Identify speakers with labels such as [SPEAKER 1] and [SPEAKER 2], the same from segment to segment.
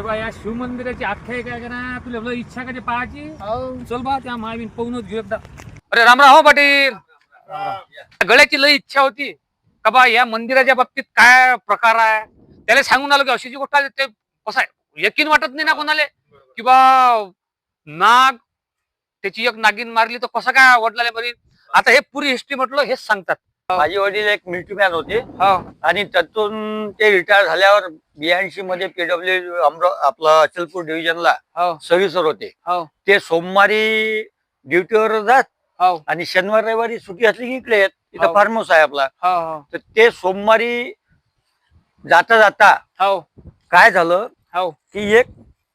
[SPEAKER 1] बा या शिव मंदिराची आख्यायिका आहे का ना तुला लय इच्छा का ते पाहायची चल बा त्या मावीन पाहूनच घेऊ एकदा. अरे रामराव हो पाटील, गळ्याची लय इच्छा होती का बा या मंदिराच्या बाबतीत काय प्रकार आहे त्याला सांगून आलो की अशी जी गोष्ट आहे ते कसं आहे यकीन वाटत नाही ना कोणाला की बा नाग त्याची एक नागिन मारली तर कसं काय वडिलाला बरी. आता हे पुरी हिस्ट्री म्हटलं हेच सांगतात.
[SPEAKER 2] माझे वडील एक मिलिटरी मॅन होते
[SPEAKER 1] हो
[SPEAKER 2] आणि त्यातून ते रिटायर झाल्यावर 82 मध्ये पीडब्ल्यू आपला अचलपूर डिव्हिजनला
[SPEAKER 1] हो
[SPEAKER 2] सर्व्हिसर होते.
[SPEAKER 1] हो
[SPEAKER 2] ते सोमवारी ड्युटीवर जात
[SPEAKER 1] हो
[SPEAKER 2] आणि शनिवार रविवारी सुट्टी असली की इकडे येत. इथं
[SPEAKER 1] हो.
[SPEAKER 2] फार्म हाऊस आहे आपला.
[SPEAKER 1] हो
[SPEAKER 2] तर ते सोमवारी जाता जाता
[SPEAKER 1] हो
[SPEAKER 2] काय झालं
[SPEAKER 1] हो
[SPEAKER 2] की एक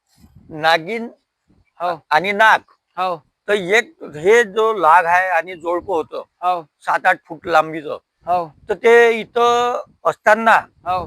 [SPEAKER 2] नागिन
[SPEAKER 1] हो
[SPEAKER 2] आणि नाग,
[SPEAKER 1] हो
[SPEAKER 2] तर एक हे जो लाग आहे आणि जोडपं होतं
[SPEAKER 1] हो
[SPEAKER 2] 7-8 फूट लांबीचं.
[SPEAKER 1] हो
[SPEAKER 2] तर ते इथं असताना
[SPEAKER 1] हो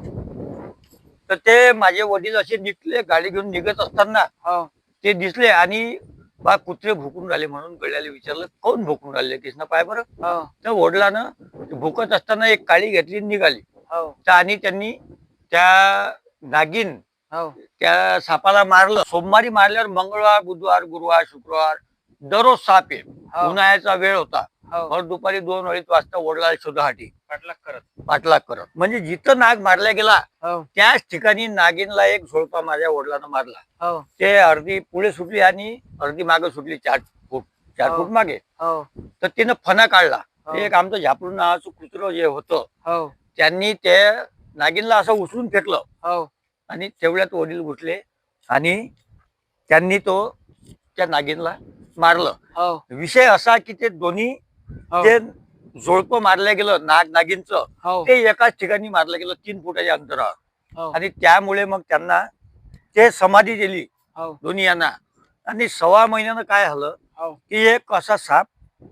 [SPEAKER 2] तर ते माझे वडील असे निघले, गाडी घेऊन निघत असताना
[SPEAKER 1] हो
[SPEAKER 2] ते दिसले आणि बा कुत्रे भुकून राहिले म्हणून गड्याला विचारलं कोण भुकून राहिले कृष्णा पाय बरं.
[SPEAKER 1] हो
[SPEAKER 2] तर वडिलानं भुकत असताना एक काळी घेतली आणि निघाली.
[SPEAKER 1] हो
[SPEAKER 2] तर आणि त्यांनी त्या नागिन
[SPEAKER 1] हो
[SPEAKER 2] त्या सापाला मारलं. सोमवारी मारल्यावर मंगळवार बुधवार गुरुवार शुक्रवार दररोज साप आहे.
[SPEAKER 1] हो.
[SPEAKER 2] उन्हाळ्याचा वेळ होता.
[SPEAKER 1] हो
[SPEAKER 2] भर दुपारी 2-2:30 वाजता वडिलाला शोधासाठी
[SPEAKER 1] पाठलाग
[SPEAKER 2] पाठलाग करत म्हणजे जिथं नाग मारला गेला
[SPEAKER 1] हो
[SPEAKER 2] त्याच ठिकाणी नागिनला एक झोडपा माझ्या वडिलांना मारला.
[SPEAKER 1] हो
[SPEAKER 2] ते अर्धी पुढे सुटली आणि अर्धी मागे सुटली 4
[SPEAKER 1] हो.
[SPEAKER 2] फूट मागे.
[SPEAKER 1] हो
[SPEAKER 2] तर तिनं फणा काढला.
[SPEAKER 1] हो.
[SPEAKER 2] एक आमचं झापडून नावाचं कुत्रं जे होतं
[SPEAKER 1] हो
[SPEAKER 2] त्यांनी ते नागिनला असं उचलून फेकलं
[SPEAKER 1] हो
[SPEAKER 2] आणि तेवढ्यात वडील घुसले आणि त्यांनी त्या नागिनला मारलं.
[SPEAKER 1] हो
[SPEAKER 2] विषय असा की ते दोन्ही
[SPEAKER 1] हो
[SPEAKER 2] ते जोडपं मारलं गेलं नागिनचं
[SPEAKER 1] हो
[SPEAKER 2] ते एकाच ठिकाणी मारलं गेलं 3 फुटाच्या अंतरावर.
[SPEAKER 1] हो
[SPEAKER 2] आणि त्यामुळे मग त्यांना ते समाधी दिली
[SPEAKER 1] हो
[SPEAKER 2] दोन्ही यांना. आणि 1.25 महिन्यानं काय झालं
[SPEAKER 1] हो
[SPEAKER 2] की एक असा साप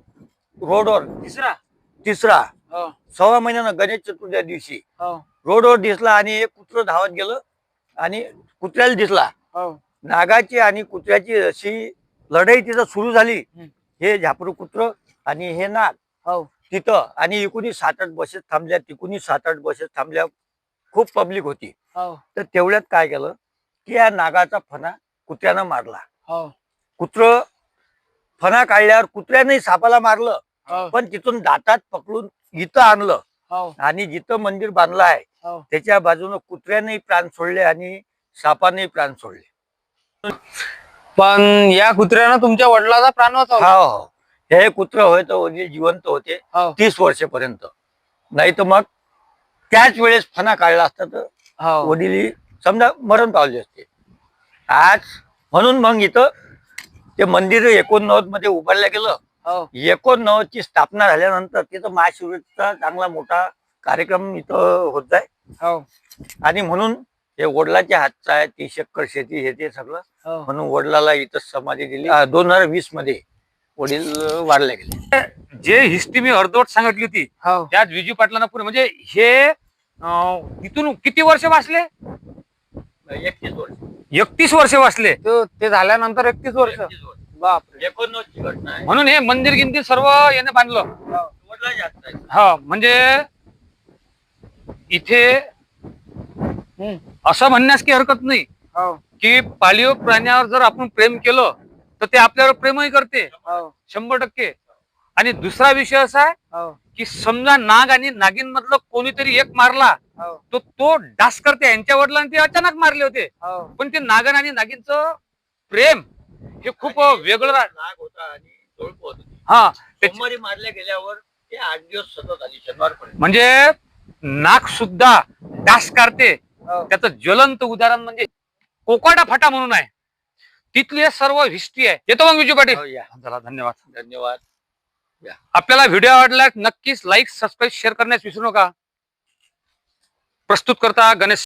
[SPEAKER 2] रोडवर तिसरा
[SPEAKER 1] हो
[SPEAKER 2] 1.25 महिन्यानं गणेश चतुर्थी दिवशी
[SPEAKER 1] हो
[SPEAKER 2] रोडवर दिसला आणि एक कुत्रं धावत गेलं आणि कुत्र्याला दिसला.
[SPEAKER 1] हो
[SPEAKER 2] नागाची आणि कुत्र्याची अशी लढाई तिथं सुरू झाली.
[SPEAKER 1] हम्म.
[SPEAKER 2] हे झापरू कुत्र आणि हे नाग
[SPEAKER 1] हो
[SPEAKER 2] तिथं आणि इकुणी 7-8 बसेस थांबल्या तिकुणी 7-8 बसेस थांबल्या. खूप पब्लिक होती.
[SPEAKER 1] हो
[SPEAKER 2] तर तेवढ्यात काय केलं की या नागाचा फणा कुत्र्यानं मारला.
[SPEAKER 1] हो
[SPEAKER 2] कुत्र फणा काढल्यावर कुत्र्याने सापाला मारलं
[SPEAKER 1] हो
[SPEAKER 2] पण तिथून दातात पकडून इथं आणलं
[SPEAKER 1] हो
[SPEAKER 2] आणि जिथं मंदिर बांधलं आहे
[SPEAKER 1] हो
[SPEAKER 2] त्याच्या बाजूनं कुत्र्याने प्राण सोडले आणि सापाने प्राण सोडले.
[SPEAKER 1] पण या कुत्र्यानं तुमच्या वडिलाचा प्राण वाचवला.
[SPEAKER 2] हो हो हे कुत्र होय तर वडील जिवंत होते
[SPEAKER 1] हो
[SPEAKER 2] 30 वर्षापर्यंत. नाही तर मग त्याच वेळेस फणा काढला असता तर
[SPEAKER 1] हो
[SPEAKER 2] वडील समजा मरण पावले असते आज. म्हणून मग इथं ते मंदिर 89 मध्ये उभारलं गेलं.
[SPEAKER 1] हो
[SPEAKER 2] 89 ची स्थापना झाल्यानंतर तिथं महाशिवरात्रीचा चांगला मोठा कार्यक्रम इथं होत आहे.
[SPEAKER 1] हो
[SPEAKER 2] आणि म्हणून हे वडिलाच्या हातचं आहे. 30 एकर शेती हे ते सगळं.
[SPEAKER 1] हो
[SPEAKER 2] म्हणून वडिलाला इथं समाधी दिली. 2020 मध्ये वडील वारले गेले.
[SPEAKER 1] जे हिस्ट्री मी अर्धवट सांगितली होती
[SPEAKER 2] हो
[SPEAKER 1] त्यात विजू पाटलांना पुढे म्हणजे हे इथून किती वर्ष वाचले
[SPEAKER 2] 31 वर्ष
[SPEAKER 1] 31 वर्ष वाचले ते झाल्यानंतर 31 वर्ष बापरे.
[SPEAKER 2] 89 ची घटना आहे.
[SPEAKER 1] म्हणून हे मंदिर गिंती सर्व याने बांधलं.
[SPEAKER 2] वडिलाच्या हातचं आहे.
[SPEAKER 1] हा म्हणजे इथे असं म्हणण्यास काही हरकत नाही की पाळीव प्राण्यावर जर आपण प्रेम केलं तर ते आपल्यावर प्रेमही करते 100%. आणि दुसरा विषय असा आहे की समजा नाग आणि नागिन मधलं कोणीतरी एक मारला तो डास करते. यांच्या वडिलांनी ते अचानक मारले होते पण ते नागन आणि नागिनचं प्रेम हे खूप वेगळं
[SPEAKER 2] नाग होता आणि जोडपं होतं.
[SPEAKER 1] हा
[SPEAKER 2] सोमवारी मारल्या गेल्यावर ते 8 दिवस सतत आली शनिवारपर्यंत.
[SPEAKER 1] म्हणजे नाग सुद्धा डास काढते. त्याचं ज्वलंत उदाहरण म्हणजे कोकाडा फाटा म्हणून आहे. तिथली सर्व हिस्ट्री आहे. येतो मग विजू पाटील.
[SPEAKER 2] हो, या.
[SPEAKER 1] चला धन्यवाद.
[SPEAKER 2] धन्यवाद.
[SPEAKER 1] आपल्याला व्हिडिओ आवडला नक्कीच लाईक सबस्क्राईब शेअर करण्यास विसरू नका. प्रस्तुत करता गणेश.